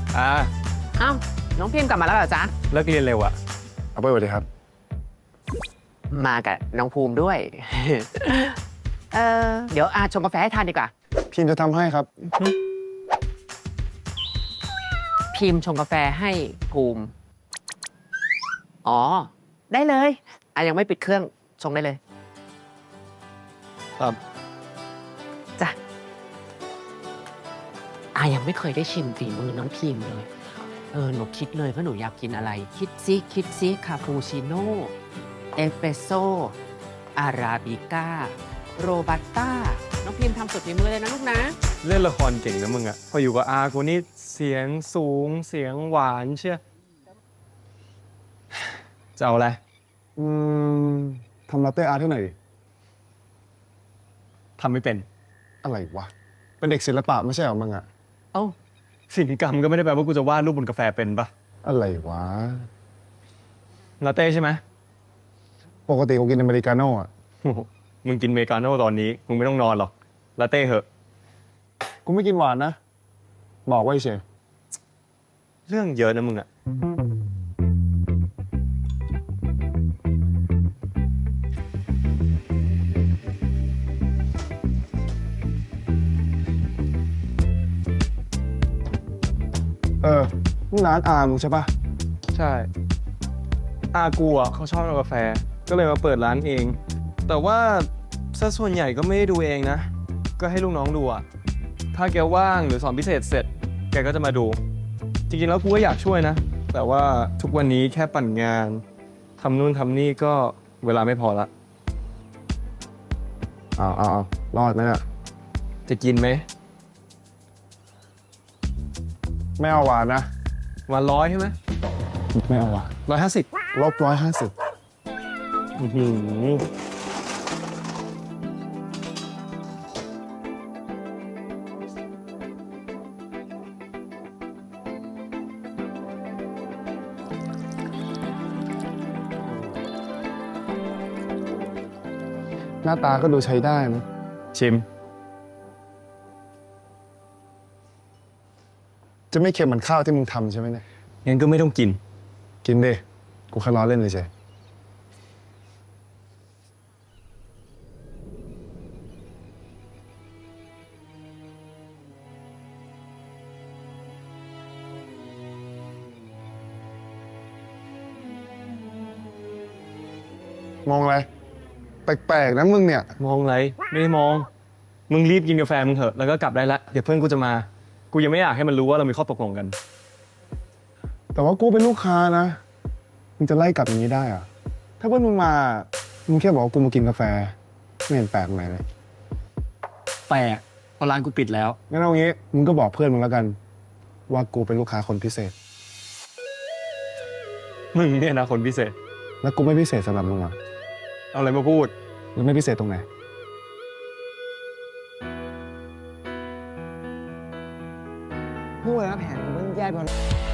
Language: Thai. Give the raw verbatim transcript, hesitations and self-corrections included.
อ่าอ้าวน้องพิมพ์กลับมาแล้วเหรอจ๊ะเลิกเรียนเร็วอะเอาไปสวัสดีครับมากับน้องภูมิด้วย เออเดี๋ยวอาชงกาแฟให้ทานดีกว่าพิมจะทำให้ครับพิมพ์ชงกาแฟให้ภูมิ อ๋อ ได้เลยอายังไม่ปิดเครื่องชงได้เลยครับจ้ะอายังไม่เคยได้ชิมฝีมือน้องพิมพ์เลย เออหนูคิดเลยว่าหนูอยากกินอะไร คิดซิคิดซิคาปูชิโน่เอสเปรสโซ่อาราบิก้าโรบัสต้าน้องพิมพ์ทำสุดฝีมือเลยนะลูกนะเล่นละครเก่งนะมึงอะพออยู่กับอากูนี่เสียงสูงเสียงหวานเชียจะเอาอะไรอืมทำลาเต้อาร์ตให้หน่อยดิทำไม่เป็นอะไรวะ เป็นเด็กศิลปะไม่ใช่เหรอมึงอะเอ้าศิลปกรรมก็ไม่ได้แปลว่ากูจะวาดรูปบนกาแฟเป็นปะอะไรวะลาเต้ใช่ไหมปกติกูกินอเมริกาโน่อะโอ้โหมึงกินเมกาโน่ตอนนี้มึงไม่ต้องนอนหรอกลาเต้เหอะกูไม่กินหวานนะ บอกไว้เฉยเรื่องเยอะนะมึงอะเออนี่ร้านอาร์มึงใช่ปะใช่อากูอะเขาชอบกาแฟก็เลยมาเปิดร้านเอง แต่ว่าซะส่วนใหญ่ก็ไม่ได้ดูเองนะ ก็ให้ลูกน้องดูอะถ้าแกว่างหรือสอนพิเศษเสร็จ แกก็จะมาดู จริงๆแล้วกูก็อยากช่วยนะ แต่ว่าทุกวันนี้แค่ปั่นงานทำนู่นทำนี่ก็เวลาไม่พอละอ้าวอ้าวรอดไหมเนี่ยจะกินไหมไม่เอาหวานนะวันร้อยใช่ไหมไม่เอาหวานร้อยห้าสิบลบร้อยห้าสิบ หน้าตาก็ดูใช้ได้นะชิมจะไม่เค็มเหมือนข้าวที่มึงทำใช่ไหมเนี่ยงั้นก็ไม่ต้องกินกินดิ กูแค่ล้อเล่นเลยเฉยมองอะไร แปลกๆนะมึงเนี่ยมองอะไรไม่ได้มอง มึงรีบกินกาแฟมึงเถอะแล้วก็กลับได้ละเดี๋ยวเพื่อนกูจะมา กูยังไม่อยากให้มันรู้ว่าเรามีข้อตกลงกันแต่ว่ากูเป็นลูกค้านะ มึงจะไล่กลับอย่างนี้ได้เหรอะถ้าเพื่อนมึงมา มึงแค่บอกว่ากูมากินกาแฟ ไม่เห็นแปลกตรงไหนเลยแปลกเพราะร้านกูปิดแล้วงั้นเอางี้ มึงก็บอกเพื่อนมึงแล้วกัน ว่ากูเป็นลูกค้าคนพิเศษมึงเนี่ยนะคนพิเศษแล้วกูไม่พิเศษสำหรับมึงเหรอเอาอะไรมาพูดหรือไม่พิเศษตรงไหนพูดแล้วแผนมันแย่ไป